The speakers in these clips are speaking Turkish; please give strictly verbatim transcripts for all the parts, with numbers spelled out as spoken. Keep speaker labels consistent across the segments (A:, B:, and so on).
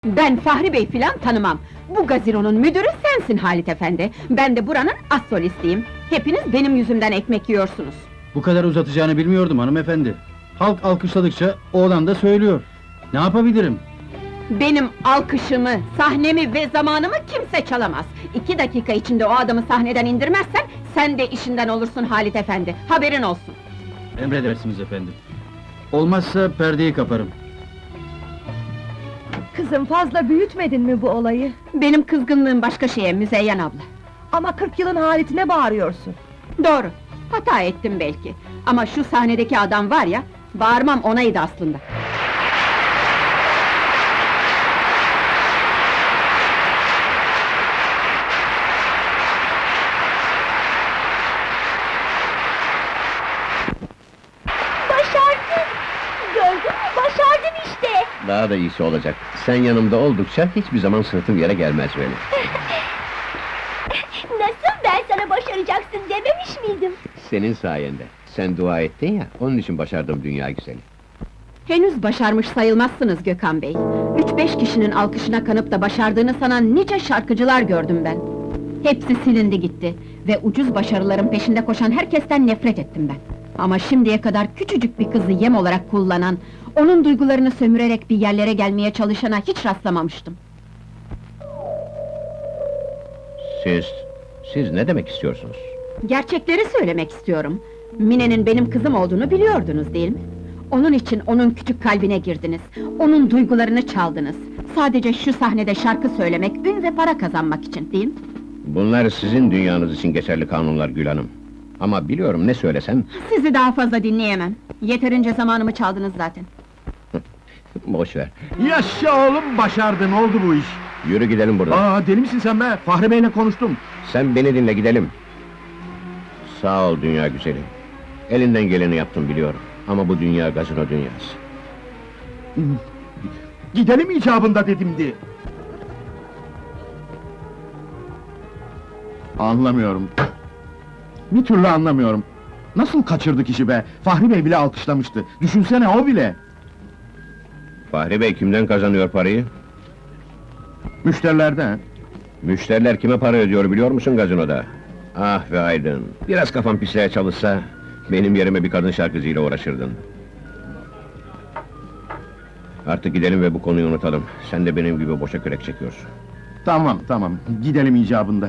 A: Ben Fahri Bey filan tanımam. Bu gazinonun müdürü sensin Halit efendi. Ben de buranın as solistiyim. Hepiniz benim yüzümden ekmek yiyorsunuz.
B: Bu kadar uzatacağını bilmiyordum hanımefendi. Halk alkışladıkça oğlan da söylüyor. Ne yapabilirim?
A: Benim alkışımı, sahnemi ve zamanımı kimse çalamaz. İki dakika içinde o adamı sahneden indirmezsen, sen de işinden olursun Halit efendi. Haberin olsun.
B: Emredersiniz efendim. Olmazsa perdeyi kaparım.
C: Kızım, fazla büyütmedin mi bu olayı?
A: Benim kızgınlığım başka şeye Müzeyyen abla.
C: Ama kırk yılın Halit'ine bağırıyorsun.
A: Doğru, hata ettim belki. Ama şu sahnedeki adam var ya, bağırmam onaydı aslında.
D: Başardın! Gördün mü? Başardın işte!
E: Daha da iyisi olacak. Sen yanımda oldukça hiçbir zaman sırtım yere gelmez benim.
D: Nasıl, ben sana başaracaksın dememiş miydim?
E: Senin sayende. Sen dua ettin ya, onun için başardım dünya güzeli.
A: Henüz başarmış sayılmazsınız Gökhan Bey. Üç beş kişinin alkışına kanıp da başardığını sanan nice şarkıcılar gördüm ben. Hepsi silindi gitti ve ucuz başarıların peşinde koşan herkesten nefret ettim ben. Ama şimdiye kadar küçücük bir kızı yem olarak kullanan, onun duygularını sömürerek bir yerlere gelmeye çalışana hiç rastlamamıştım.
E: Siz, siz ne demek istiyorsunuz?
A: Gerçekleri söylemek istiyorum. Mine'nin benim kızım olduğunu biliyordunuz değil mi? Onun için onun küçük kalbine girdiniz, onun duygularını çaldınız. Sadece şu sahnede şarkı söylemek, ün ve para kazanmak için değil mi?
E: Bunlar sizin dünyanız için geçerli kanunlar Gül Hanım. Ama biliyorum ne söylesem...
A: Sizi daha fazla dinleyemem. Yeterince zamanımı çaldınız zaten.
E: Boş ver.
F: Yaşa oğlum, başardın, oldu bu iş!
E: Yürü gidelim buradan.
F: Aa, deli misin sen be? Fahri Bey'le konuştum.
E: Sen beni dinle, gidelim. Sağ ol dünya güzeli. Elinden geleni yaptım biliyorum. Ama bu dünya gazino dünyası.
F: Gidelim icabında dedimdi. Anlamıyorum. Bir türlü anlamıyorum. Nasıl kaçırdık işi be? Fahri Bey bile alkışlamıştı. Düşünsene, o bile!
E: Fahri Bey kimden kazanıyor parayı?
F: Müşterilerden.
E: Müşteriler kime para ödüyor biliyor musun gazinoda? Ah ve aydın! Biraz kafam pisliğe çalışsa... benim yerime bir kadın şarkıcıyla uğraşırdın. Artık gidelim ve bu konuyu unutalım. Sen de benim gibi boşa kürek çekiyorsun.
F: Tamam, tamam, gidelim icabında.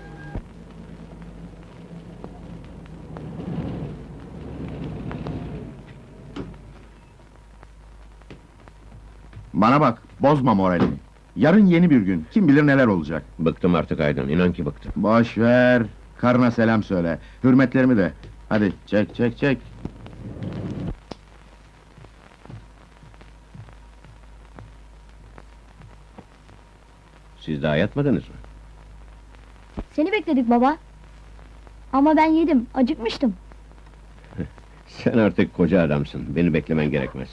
F: Bana bak, bozma moralini. Yarın yeni bir gün, kim bilir neler olacak.
E: Bıktım artık Aydın, inan ki bıktım.
F: Boş ver, karına selam söyle. Hürmetlerimi de. Hadi, çek, çek, çek.
E: Siz daha yatmadınız mı?
D: Seni bekledik baba. Ama ben yedim, acıkmıştım.
E: Sen artık koca adamsın, beni beklemen gerekmez.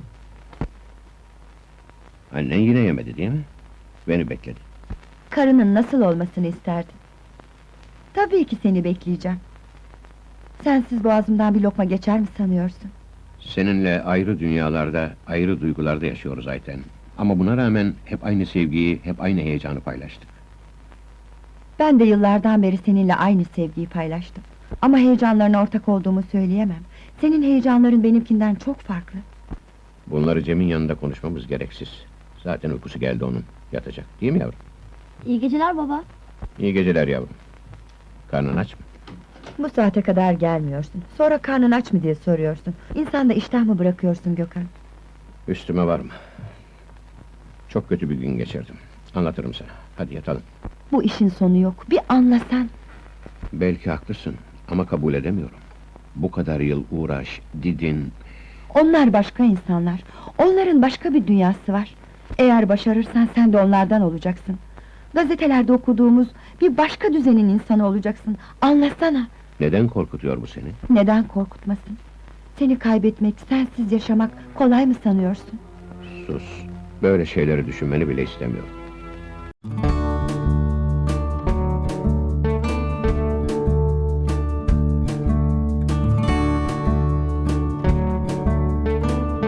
E: Annen yine yemedi değil mi? Beni bekledi.
C: Karının nasıl olmasını isterdin? Tabii ki seni bekleyeceğim. Sensiz boğazımdan bir lokma geçer mi sanıyorsun?
E: Seninle ayrı dünyalarda, ayrı duygularda yaşıyoruz Ayten. Ama buna rağmen hep aynı sevgiyi, hep aynı heyecanı paylaştık.
C: Ben de yıllardan beri seninle aynı sevgiyi paylaştım. Ama heyecanlarına ortak olduğumu söyleyemem. Senin heyecanların benimkinden çok farklı.
E: Bunları Cem'in yanında konuşmamız gereksiz. Zaten uykusu geldi onun, yatacak. Değil mi yavrum?
D: İyi geceler baba.
E: İyi geceler yavrum. Karnın aç mı?
C: Bu saate kadar gelmiyorsun. Sonra karnın aç mı diye soruyorsun. İnsan da iştah mı bırakıyorsun Gökhan?
E: Üstüme varma. Çok kötü bir gün geçirdim. Anlatırım sana. Hadi yatalım.
C: Bu işin sonu yok. Bir anlasan.
E: Belki haklısın ama kabul edemiyorum. Bu kadar yıl uğraş, didin...
C: Onlar başka insanlar. Onların başka bir dünyası var. Eğer başarırsan sen de onlardan olacaksın. Gazetelerde okuduğumuz bir başka düzenin insanı olacaksın. Anlasana.
E: Neden korkutuyor bu seni?
C: Neden korkutmasın? Seni kaybetmek, sensiz yaşamak kolay mı sanıyorsun?
E: Sus. Böyle şeyleri düşünmeni bile istemiyorum.